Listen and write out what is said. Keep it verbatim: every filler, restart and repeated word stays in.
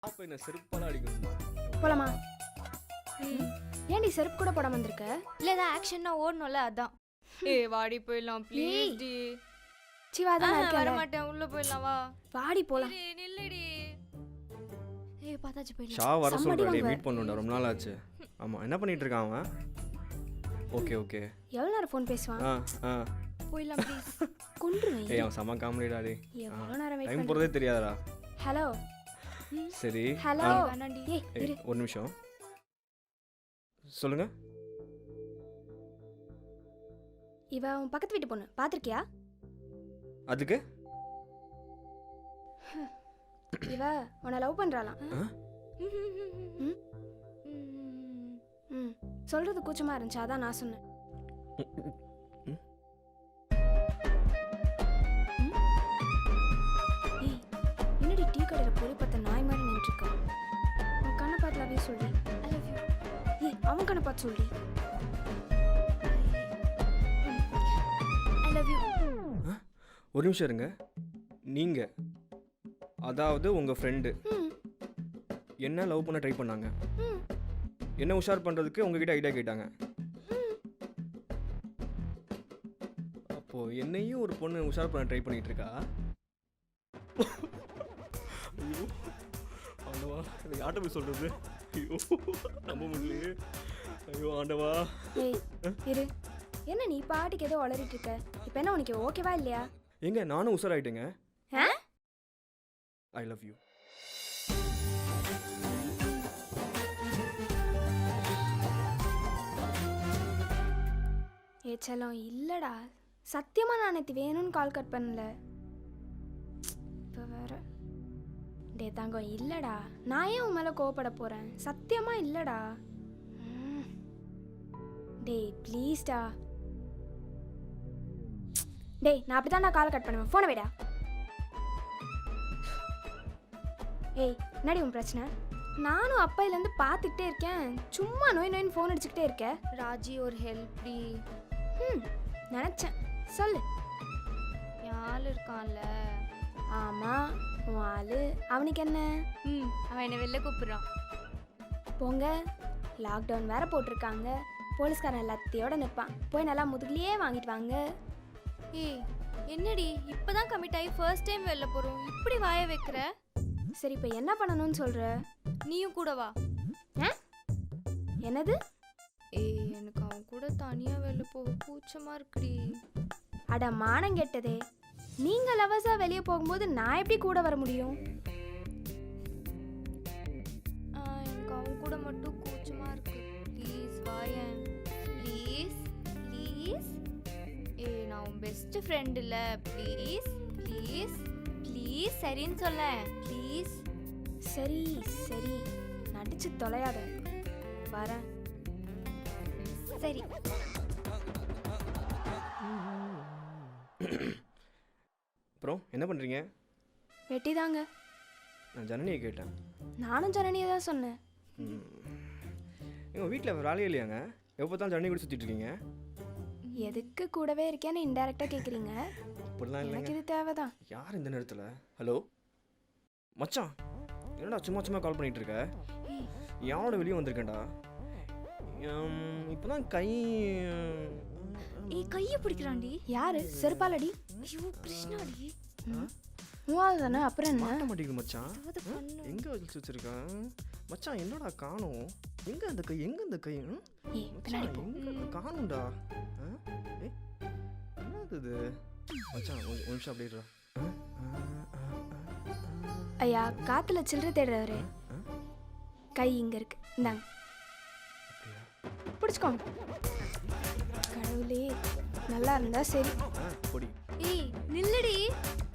அப்ப என்ன செருப்பால அடிக்கணுமா? போலாமா? ஏன் நீ செருப்பு கூட போடாம வந்திருக்க? இல்ல ஏதாவது ஆக்ஷன்னா ஓடணும்ல அதான். ஏய் வாடி போயிடலாம் ப்ளீஸ் டி. சிவா தான் வர இருக்கேன். மாட்டேன் உள்ள போயிடலாம் வா. வாடி போலாம். ஏய் நில்லுடி. ஏய் பாத்தாச்சு போயிடலாம். ஷா வர சம்மடி சொல்றேன் வாங்க. மீட் பண்ணனும்டா ரொம்ப நாள் ஆச்சு. ஆமா என்ன பண்ணிட்டு இருக்கான் அவன்? Okay okay. எவ்வளவு நேரம் ஃபோன் பேசுவான்? ஆ ஆ. போயிடலாம் ப்ளீஸ். கொன்றுவேன். ஏய் அவன் சம காமெடிடா டேய். எவ்வளவு நேரம் வெயிட் டைம் பண்ண? போறதே தெரியாதடா. ஹலோ. சரி. ஹலோ. ஆ. வேணாண்டி. ஏய் ஏய் இரு. ஒரு நிமிஷம். சொல்லுங்க. இவ உன் பக்கத்து வீட்டு பொண்ணு. பாத்திருக்கியா? அதுக்கு? இவ உன்னை லவ் பண்றாளாம். ஆ? ம்? ம். சொல்றது கூச்சமா இருந்துச்சு அதான் நான் சொன்னேன். ம். ம்? ஏய் என்னடி டீ கடையில பொறி பார்த்த நாய் மாதிரி நின்றுருக்க? உன் கண்ணை பார்த்து லவ் யூ சொல்லி. I love you. ஏய் அவன் கண்ணை பார்த்து சொல்லி. I love you. ஒரு நிமிஷம் இருங்க. நீங்க அதாவது உங்க ஃப்ரெண்டு ம். என்ன லவ் பண்ண ட்ரை பண்ணாங்க. ம். என்ன உஷார் பண்றதுக்கு உங்ககிட்ட ஐடியா கேட்டாங்க. அப்போ என்னையும் ஒரு பொண்ணு உஷார் பண்ண ட்ரை பண்ணிட்டு இருக்கா. ஐயோ ஆண்டவா இதை யார்கிட்ட போய் சொல்றது? ஐயோ நம்ப முடியலையே. ஐயோ ஆண்டவா. ஏய் இரு. என்ன நீ பாட்டுக்கு ஏதோ உளறிட்டு இருக்க? இப்போ என்ன உனக்கு ஓகேவா இல்லையா? எங்க நானும் உஷாராயிட்டேங்க. ஆ? ஐ லவ் யூ. ஏ செல்லம் இல்லடா. சத்தியமா நான் நேற்று வேணும்னு கால் கட் பண்ணல. இப்போ வேற. டே தங்கம் இல்லடா. நான் ஏன் உன் மேலே கோவப்பட போறேன்? சத்தியமா இல்லடா. ம். டேய் ப்ளீஸ்டா. டேய் நான் அப்படி தான் நான் கால் கட் பண்ணுவேன். ஃபோனை வைடா. ஏய் என்னடி உன் பிரச்சனை? நானும் அப்பையிலேருந்து பார்த்துக்கிட்டே இருக்கேன். சும்மா நோய் நோயின்னு ஃபோன் அடிச்சுக்கிட்டே இருக்க. ராஜி ஒரு ஹெல்ப் டி. ம் நினச்சேன். சொல்லு. என் ஆள் இருக்கான்ல. ஆமாம் உன் ஆளு. அவனுக்கு என்ன? ம் அவன் என்னை வெளில கூப்பிடுறான். போங்க. லாக்டவுன் வேற போட்டிருக்காங்க. போலீஸ்காரன் எல்லாத்தையோட நிற்பான். போய் நல்லா முதுகுலையே வாங்கிட்டு வாங்க. ஏய் என்னடி இப்பதான் கமிட் ஆகி ஃபர்ஸ்ட் டைம் வெளில போறோம். இப்படி வாய வைக்கிற? சரி இப்போ என்ன பண்ணணும்னு சொல்கிற? நீயும் கூட வா. ஆ என்னது? ஏய் எனக்கு அவன் கூட தனியா வெளில போக கூச்சமா இருக்குடி. அட மானம் கெட்டதே. நீங்கள் லவர்ஸாக வெளியே போகும்போது நான் எப்படி கூட வர முடியும்? ஆ, எனக்கு அவன் கூட மட்டும் கூச்சமா இருக்கு. ப்ளீஸ் வாயேன் ப்ளீஸ் ப்ளீஸ். ஏய் நான் உன் பெஸ்ட் ஃப்ரெண்ட் இல்ல. ப்ளீஸ் ப்ளீஸ் ப்ளீஸ் சரின்னு சொல்ல ப்ளீஸ். சரி சரி நடிச்சு தொலையாத. வரேன். சரி. அப்புறம் என்ன பண்றீங்க? வெட்டி தாங்க. நான் ஜனனியை கேட்டேன். நானும் ஜனனியை தான் சொன்னேன். எங்கள் வீட்டில் வேலையே இல்லையாங்க? எப்போ தான் ஜனனி கூட சுற்றிட்டு இருக்கீங்க? எதுக்கு கூடவே இருக்கேன்னு இன்டெரக்டாக கேட்குறீங்க? அப்படிலாம் எனக்கு இல்லைங்க. இது தேவைதான். யார் இந்த நேரத்தில்? ஹலோ மச்சான் என்னடா சும்மா சும்மா கால் பண்ணிட்டு இருக்க? யாரோட வெளியே வந்திருக்கேன்டா. இப்போ தான் கை ஏய் கையை பிடிக்கிறான்டி. யாரு? செருப்பாலடி. ஐயோ கிருஷ்ணாடி. மூவாவது தானே அப்புறம் என்ன? மாட்ட மாட்டேங்குது மச்சான். ஏதாவது பண்ணு. எங்கே வச்சு வச்சிருக்கேன் மச்சான்? என்னடா காணோம்? எங்கே அந்த கை? எங்கே அந்த கை? ம்? ஏய் மச்சான் பின்னாடி போ. எங்கே காணும்டா? ஆ? ஏய், என்னது இது? மச்சான் ஒரு ஒரு நிமிஷம் அப்படியே இருடா. ஆ? ஆ, ஆ, ஆ, ஆ. ஐயா காத்துல சில்லறை தேடுறவரு. கை இங்க இருக்கு. இந்தாங்க அப்படியா? பிடிச்சிக்கோங்க. கடவுளே நல்லா இருந்தா சரி. ஆ பொடி. ஏய் நில்லுடி.